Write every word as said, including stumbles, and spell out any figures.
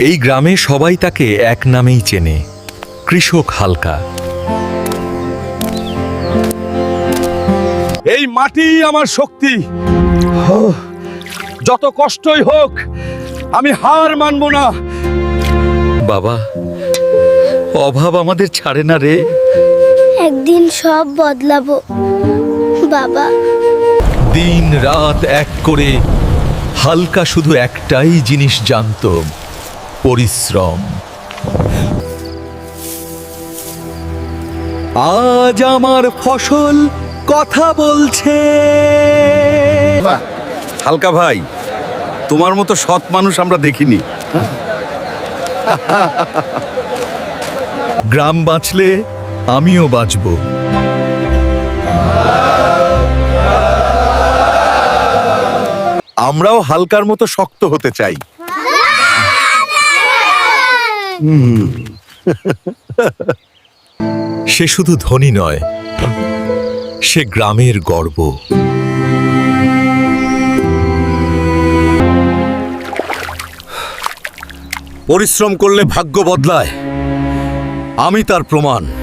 এই গ্রামে সবাই তাকে এক নামেই চেনে, কৃষক হালকা। এই মাটি আমার শক্তি। যত কষ্টই হোক আমি হার মানব না। বাবা, অভাব আমাদের ছাড়ে না রে। একদিন সব বদলাবো বাবা। দিন রাত এক করে হালকা শুধু একটাই জিনিস জানত, পরিশ্রম। আজ আমার ফসল কথা বলছে। হালকা ভাই, তোমার মতো সৎ মানুষ আমরা দেখিনি। গ্রাম বাঁচলে আমিও বাঁচব। আমরাও হালকার মতো শক্ত হতে চাই। সে শুধু ধনী নয়, সে গ্রামের গর্ব। পরিশ্রম করলে ভাগ্য বদলায়, আমি তার প্রমাণ।